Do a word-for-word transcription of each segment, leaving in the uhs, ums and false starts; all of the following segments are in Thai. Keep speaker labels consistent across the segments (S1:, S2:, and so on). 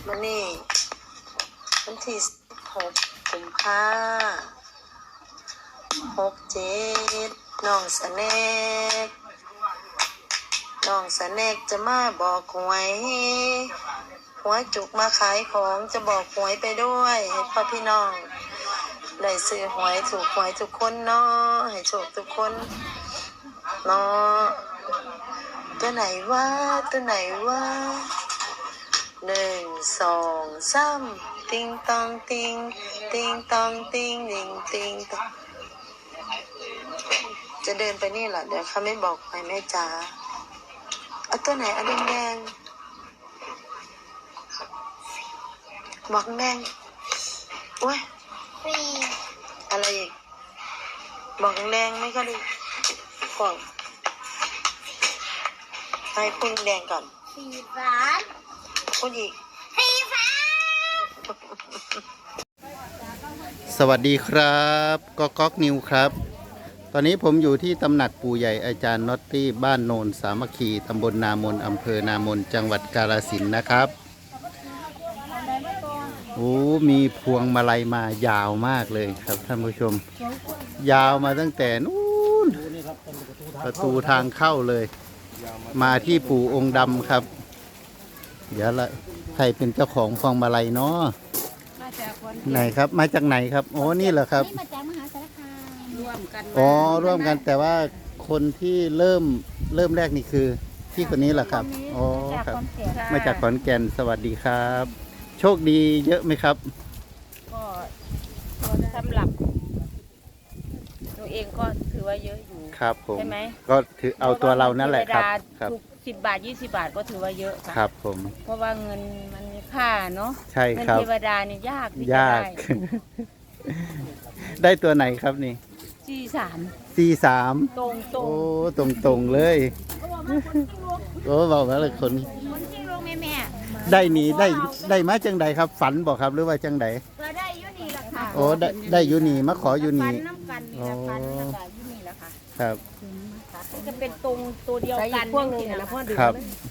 S1: มันนี่วันที่หกกุมภาหกเจ็ดน้องสแนกน้องสแนกจะมาบอกหวยหัวจุกมาขายของจะบอกหวยไปด้วยให้พ่อพี่น้องได้ซื้อหวยถูกหวยทุกคนเนาะให้โชคทุกคนเนาะตัวไหนวะตัวไหนวะหนึ่งสองสามติงตองติงติงตองติงติงติงตองจะเดินไปนี่เหรอเดี๋ยวเขาไม่บอกไปแม่จ๋าเอาตัวไหนเอาแดงแดงบอกแดงโอ้ยอะไรอีกบอกแดงไม่ก็ดีก่อนให้คุณแดงก่อนสีฟ้าคุณอีกสีฟ้า
S2: สวัสดีครับก๊อกก๊อกนิวครับตอนนี้ผมอยู่ที่ตำหนักปู่ใหญ่อาจารย์น็อตตี้บ้านโนนสามัคคีตำบลนามนอำเภอนามนจังหวัดกาฬสินธุ์นะครับโอ้มีพวงมาลัยมายาวมากเลยครับท่านผู้ชมยาวมาตั้งแต่นู้นประตูทางเข้าเลยมาที่ปู่องค์ดำครับเดี๋ยวละใครเป็นเจ้าของพวงมาลัยเนาะไหนครับมาจากไหนครับโอ้นี่เหรอครับ
S3: มาจากมหาสารคามร่วมกัน
S2: อ๋อร่วมกันแต่ว่าคนที่เริ่มเริ่มแรกนี่คือพี่คนนี้เหรอครับอ๋อครับมาจากขอนแก่นสวัสดีครับโชคดีเยอะไหมครับ
S3: ก็สำหรับตัวเองก็ถือว่าเยอะอยู่
S2: ครับผม
S3: ใช่ไหม
S2: ก็ถือเอาตัวเรานั่นแหละครับ
S3: ครับสิบบาทยี่สิบบาทก็ถือว่าเยอะค่ะ
S2: ครับผม
S3: เพราะว่าเงินมันมีค่าเนาะ
S2: ใช่ครับ
S3: เงินเทวดานี่ยาก
S2: ยากได้ตัวไหนครับนี่
S3: สี่สาม
S2: สี่สาม
S3: ตรงตรง
S2: โอ้ตรงตรงเลยโอ้บอกว่าเลยคน
S3: คนที่ลงแม่แม่
S2: ได้หนีได้ได้มาจังใดครับฝันบอกครับหรือว่าจังใด
S3: ก็ได้ยุนีละค่ะ
S2: โอ้ได้ได้ยุนีมาขอยุนี
S3: น้ำกันนี่ละพันแล้วก็ยุนีละค่ะ
S2: ครับ
S3: จะเป็นตรงตัวเดียวกัน
S4: พวกนึงนะพ่อดื่ม
S2: ครับ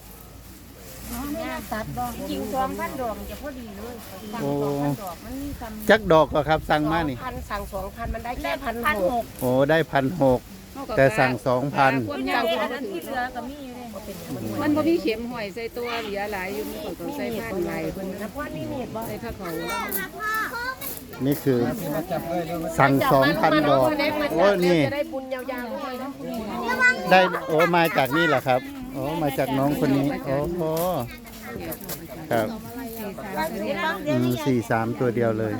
S3: จริงสองพันดอกจะพอดีเลยสั่งสองพันดอกมันมีคำ
S2: จักดอกก็ครับสั่งมานี่
S4: พันสั่งสองพันมันได้แค่พันหก
S2: โอ้ได้พันหกแต่สั่งสองพัน
S3: อย่างนั้นที่เหลือก็มีอยู่เลย
S4: มันพอพี่เข็มหอยใส่ตัวเหลือหลายอยู่มีคนต้องใส่ผ้าไหมคนนะพ่อนี่มีบ่ใส่ผ้าเขา
S2: นี่คือสั่งสองพันดอกโอ้นี่
S4: จะได้บุญยาวๆเลยนะ
S2: ได้โอ้มาจากนี่แหละครับโอ้มาจากน้องคนนี้โอ้โหครับอืมสี่สามตัวเดียวเลย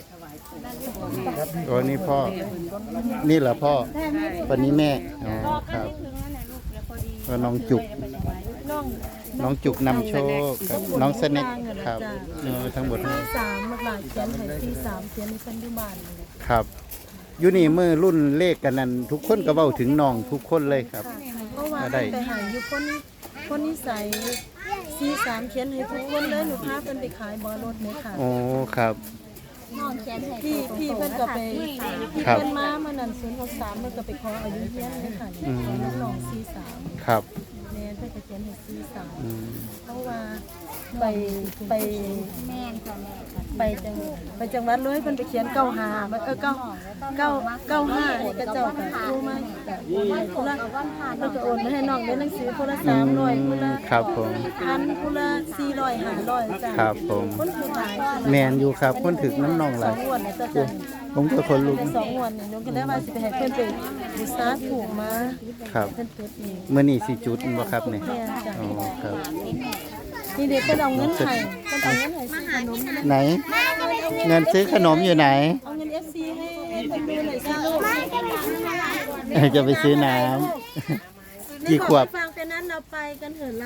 S2: โอ้นี่พ่อนี่เหรอพ่อวันนี้แม่อ๋อครับก็น้องจุกน้องจุกนำโชคครับน้องสเน็กครับเออทั้งหมด
S5: สามหลายเขียนให้สี่สามเขียนในปัจจุบัน
S2: ครับอยู่นี่มือรุ่นเลขกันนั้นทุกคนก็เว้าถึงน้องทุกคนเลยครับ
S5: เพราะว่าไปหาอยู่คนคนนิสัยสี่สามเขียนให้ทุกคนเลยหนูพาเพิ่นไปขายบอรถเนี่ยค่ะ
S2: โอ้ครับ
S5: พี่พี่เพิ่นก็ไปพี่เพิ่นมาเมื่อนั้นศูนย์หกสามเพิ่นก็ไปขออายุเฮียนเลยค่ะน้องสี่สาม
S2: ครับ
S5: แม่เพิ่นก็เขียนให้สี่สามเพราะว่าไปไปแม่ค่ะแม่ไปจังไปจังหวัดเลยเพิ่นไปเขียนเก้าห้าเออเก้าเก้าเก้าห้านี่ก็เจ้าก็รู้มาคนละเพิ่นก็โอนมาให้น้องเรียนหนังสือคนละสามร้อยคนละ
S2: ครับผม
S5: พันคนละสี่ร้อยห้าร้อยจ้ะ
S2: ครับผม
S5: คนถือหลาย
S2: แมนอยู่ครับคนถึกน้ำนองหลายผมก็คนลุก
S5: สองวันนี่น้องก็ได้ว่าสิไปให้เพิ่นไปบูชาถูกมา
S2: ครับ
S5: เพิ่นเปิดเอง
S2: เมื่อนี้สิจุดบ่ครับเนี่ยอ๋อครับ
S5: นี่เด็กก็เอาเงินให้ก็เอาเงินให้ซื้อขนม
S2: ไหนเงินซื้อขนมอยู่ไหน
S5: เอาเงิน เอฟ ซี ให้เพิ่นดูหน่อยสิลูก
S2: จะไปซื้อน้ำกี่ขวบ
S5: ฟังแต่นั้นเราไปกันเถอะเรา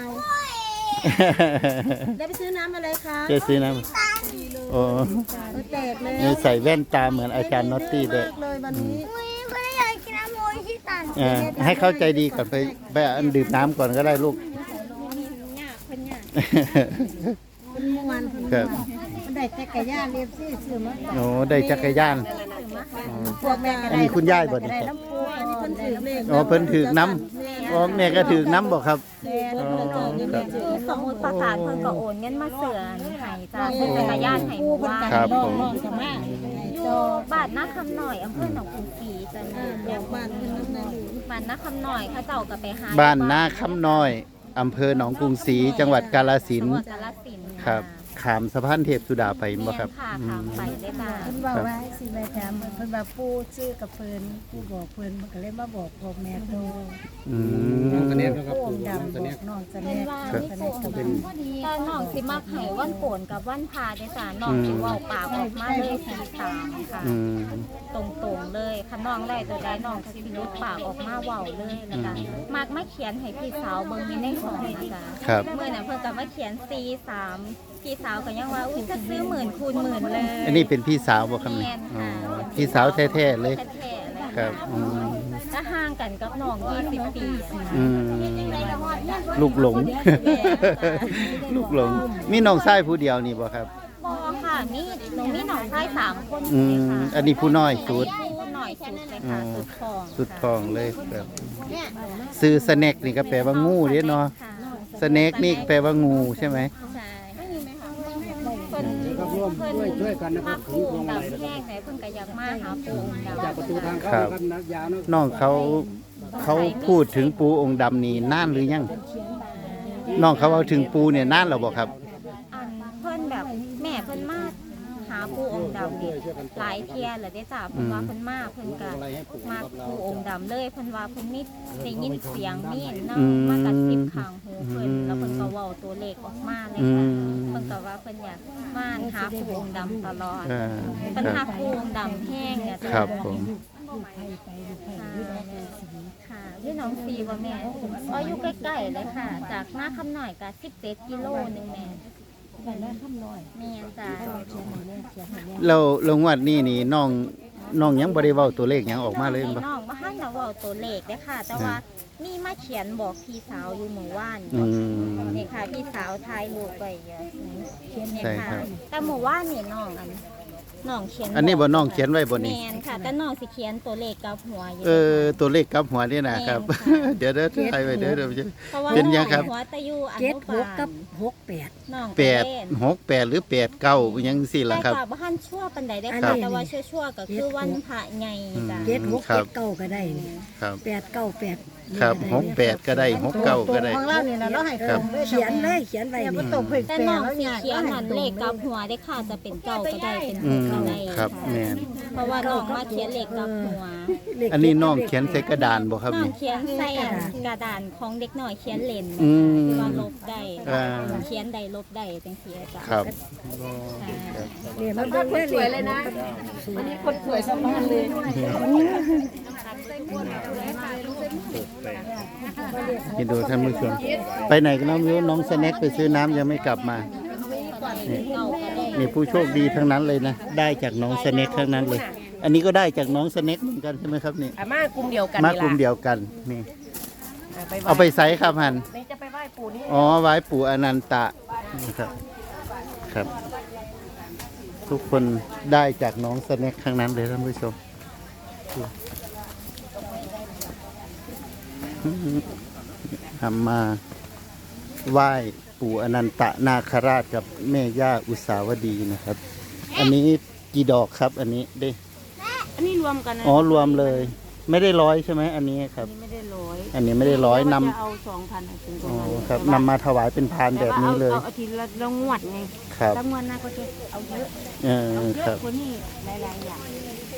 S5: ได้ไปซื้อน้ำอะไรคะ
S2: จะซื้อน้ำโอ้
S5: แตกเลย
S2: ใส่แว่นตาเหมือนอาจารย์น็อตตี้เลย
S5: เลยวันนี้
S2: ให้เข้าใจดีก่อนไปไปดื่มน้ำก่อนก็ได้ลูก
S5: เมื่อวานครับได้จักรยานเรียบซี่ซื้อมา
S2: โอ้ได้จักรยานอันนี้คุณย่ายบ่นี่อ๋อเพิ่นถือน้ำอ๋อแม่ก็ถือน้ำบอกครับ
S3: สมมุติประสานเพิ่นก็โอนเงินมาเสือหายจ้าซื้อจักรยานให้หมู่บ้าน
S2: ครับผม
S5: น้องๆก็มา
S3: อยู่บ้านนาคำหน่อยอำเภอหนองกรุงศรีจ้ะแม่
S5: อยากบ้านเพิ่นนำนะลูก
S3: บ้านนาคำหน่อยเขาเจ้าก็ไปหา
S2: บ้านนาคำน้อยอำเภอหนองกรุงศรีจังหวัดกาฬสิน
S3: จังห
S2: ธุ์
S3: วัดกาฬสินธุ์
S2: ครับขามสะพานเทพสุดาไปบ่
S3: แม่
S2: ครับ
S3: ค่ะ
S2: อื
S3: ค่ะ
S2: ม
S3: ไปได้จ้ะ
S5: เพิ่นบอกว่าสิแม่ถามเพิ่นว่าปู่ชื่อกับเพิ่นปู่บอกเพิ่นมันก็เลยมาบอกพ่อแม่โต
S2: อืม
S5: ปู่ดำบอกน้องจะแน่
S3: เป็นว่า
S5: จะ
S3: ไม่
S5: แน่
S3: โก
S5: กับ
S3: ง
S5: เพิ่น
S3: แต่น้องสิมักให้วันโกนกับวันพาได้จ้ะน้องสิเว้าปากออกมาเลยสีสามค่ะ
S2: อืม
S3: ตรงๆเลยคันน้องได้ตัวใดน้องก็สิหลุดปากออกมาเว้าเลยแล้วก็มักมาเขียนให้พี่สาวเบิ่งอยู่ในห้องนะจ๊ะ
S2: ครับ
S3: เมื่อน่ะเพิ่นก็มาเขียนสี่สามพี่สาวก็ยังว่าอุ้ยจะซื้อหมื่นคูณหมื่นเลย
S2: อันนี้เป็นพี่สาวบ่ครับเนี่ย
S3: แม่น
S2: อ๋อ
S3: ค่ะ
S2: พี่สาวแท้ๆเลย
S3: แท้ๆเลย
S2: ครับอืม
S3: ถ้าห่างกันกับน้องยี่สิบปี
S2: อืมลูกหลง ลูกหลง มีน้องชายผู้เดียวนี่บ่ครับ
S3: บอค่ะมีหนูมีน้องชายสามคน
S2: อื
S3: เลย
S2: ม
S3: ค่ะ
S2: อันนี้ผู้น้อยสุด
S3: ผู้หน่อยสุดเลยค่ะสุดทอง
S2: สุดทองเลยครับซื้อสแน็คนี่ก็แปลว่างูเด้เนาะ
S3: ค่ะ
S2: สแน็คนี่แปลว่างูใช่ไหม
S3: ใช่เพิ่นเพิ่นช่วยกันนะครับปูองค์ดำแห้งไหนเพิ่นก็อยากมาหาปูองค์ดำจากประตูทาง
S2: ครับ น้องเขาเขาพูดถึงปูองค์ดำนี่นานหรือยัง น้องเขาเอาถึงปูเนี่ยนานแล้วบ่ครับ
S3: อันเพิ่นแบบแม่เพิ่นมาหาปูองค์ดำนี่หลายเที่ยแล้วได้จ้าเพิ่นว่าเพิ่นมาเพิ่นก็มาปูองค์ดำเลยเพิ่นว่าเพิ่นมีได้ยินเสียงมีเนาะ
S2: อืม
S3: มากระซิบข้างหูเพิ่นแล้วเพิ่นก็เว้าตัวเลขออกมาเลย
S2: อื
S3: ค่ะ
S2: ม
S3: เพิ่นก็ว่าเพิ่นอยากมาหาปูองค์ดำตลอด
S2: อ่า
S3: เพิ่น
S2: ค
S3: หา
S2: รับ
S3: ปูองค์ดำแห้งเนี่ยจ้ะ
S2: ครับผม
S3: ค่ะพี่น้องซีว่าแม่อ๋ออยู่ใกล้ๆเลยค่ะ จากหน้าคำหน่อยก็สิบเจ็ดกิโลหนึงแม่
S5: แต่ละคำน้อย
S3: แม่จ้า
S5: เขียนให้แน่เขียนให้แน่
S2: แล้วลงวัดนี่นี่น้องน้องยังบ่ได้เว้าตัวเลขหยังออกมาเลยบ่
S3: น้องมาหันนะเว่าตัวเลขเด้อค่ะ แต่ว่านี่มาเขียนบอกพี่สาวอยู่เมื่อวาน
S2: อืม
S3: นี่ค่ะพี่สาวทายรูปไว้เยอะเขียนเนี่ย
S2: ใช่ครั
S3: ค่ะ
S2: บ
S3: แต่เมื่อวานนี่น้องอันน้องเขียน
S2: อันนี้บ่น้องเขียนไว้บ่
S3: แม
S2: นี่
S3: นค่ะ แต่น้องสิเขียนตัวเลขกับหัวอยู่
S2: เออตัวเลขกับหัวนี่นะครับ
S3: แม่นค่ะ
S2: เดี๋ยวเด้อใครไว้เด้อเดี๋ยวจะ
S3: เพราะว่า
S2: เป็นยังครับ
S3: หัวตะยูอ
S5: เจ็ด
S3: นุ
S5: ห
S3: บาก
S5: กั
S3: ล
S5: บหกแปด
S3: น้อง
S2: แปด
S3: เล่น
S2: หกแปดหรือแปดเก้าอิหยังสิล่ะครับ
S3: แต่ว่าบ้านชั่วปันใดได้
S5: อัน
S3: ค่ะ
S5: นี้
S3: แต่ว่าชั่วชั่วๆก็คือวันพระใหญ่จ้ะ
S5: เจ็ดหก
S2: ครั
S5: เจ็
S2: บ
S5: ดเก้าก็ได้นี่
S2: ครับ
S5: แปดเก้าแปด
S2: ครับหกแปดก็ได้หกเก้าก็ได้
S5: ของเราเนี่ยนะเราให้
S2: ครับ
S5: เขียนเลยเขียนไว้นี่
S3: แต่น้องสีเขียวหันเลขกับหัวได้ค่ะจะเป็นเก้าก็ได้เป็นห
S2: อื
S3: ก
S2: ม
S3: ก็ได้
S2: ครับ
S3: ค่ะ
S2: แม่น
S3: เพราะว่าน้องมาเขียนเลขกับหัว
S2: อันนี้น้องเขียนใส่กระดานบ่ครับ
S3: น้อง
S2: นี่
S3: เขียนใส่อันกระดานของเด็กหน่อยเขียนเลน
S2: อืม
S3: ที่ว่าลบได้
S2: อ่า
S3: เขียนใดลบได้จังซี่จ้ะ
S2: ครับ
S5: เนี่ยมันเป็นสวยเลยนะอันนี้คนสวยสมานเลย
S2: คิดดูท่านผู้ชมไปไหนกันน้องมิวน้องสแน็คไปซื้อน้ำยังไม่กลับมานี่
S3: เก้าก็ได้
S2: มีผู้โชคดีทั้งนั้นเลยนะ ได้จากน้องสแน็คทั้งนั้นเลย อันนี้ก็ได้จากน้องสแน็คเหมือนกันใช่ไหมครับนี่
S4: อามากลุ่มเดียวกัน
S2: มากลุ่มเดียวกันนี่
S4: เอาไป
S2: เอาไปใส่ครับหัน
S4: นี่จะไปไหว้ปู่นี่
S2: อ๋อไว้ปู่อนันตะนะครับครับ ทุกคนได้จากน้องสแน็คทั้งนั้นเลยท่านผู้ชมทำมาไหว้ปู่อนันตะนาคราชกับแม่ย่าอุสาวดีนะครับ อันนี้กี่ดอกครับ อันนี้ได้
S3: อันนี้รวมกันนะ
S2: อ๋อรวมเลย ไม่ได้ร้อยใช่ไหมอันนี้ครับ
S3: ไม่ได้ร้อย
S2: อันนี้ไม่ได้ร้อยน
S3: จะเอาสองพันถึงตร
S2: ำ
S3: ง
S2: อ๋อ
S3: นั้น
S2: ครับนำมาถวายเป็นพานแบบนี้เลย
S3: เอาอาทิตย์ละละงวดไง
S2: ครับ
S3: ละงวดหน้าก็จะเอาเยอะ
S2: เออ
S3: เอาเย
S2: ครั
S3: อะ
S2: บ
S3: คนนี้หลายๆอย่าง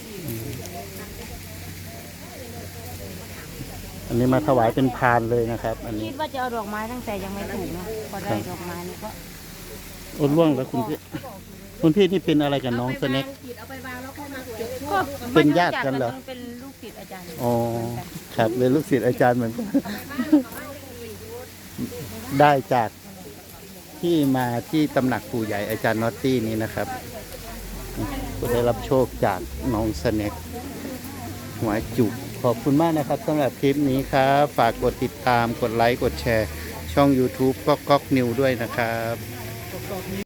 S2: อันนี้มาถวายเป็นพานเลยนะครับ อันนี้
S3: คิดว่าจะเอาดอกไม้ตั้งแต่ยังไม่ถูกนะพอได้ดอกไม้นี่ก็
S2: โอ้ล่วงแล้วคุณพี่คุณพี่นี่เป็นอะไรกับน้องสแน็ค
S3: ก็
S2: เป็นญาติกันเหรอ
S3: เป็นลูกศิษย์อาจารย์
S2: อ๋อครับเป็นลูกศิษย์อาจารย์เหมือนกัน ได้จากที่มาที่ตำหนักปู่ใหญ่อาจารย์นอตตี้นี้นะครับก็ได้รับโชคจากน้องสแน็คหัวจุกขอบคุณมากนะครับสำหรับคลิปนี้ครับ ฝากกดติดตามกดไลค์กดแชร์ ช่อง YouTube ก๊อกก๊อกนิวด้วยนะครับ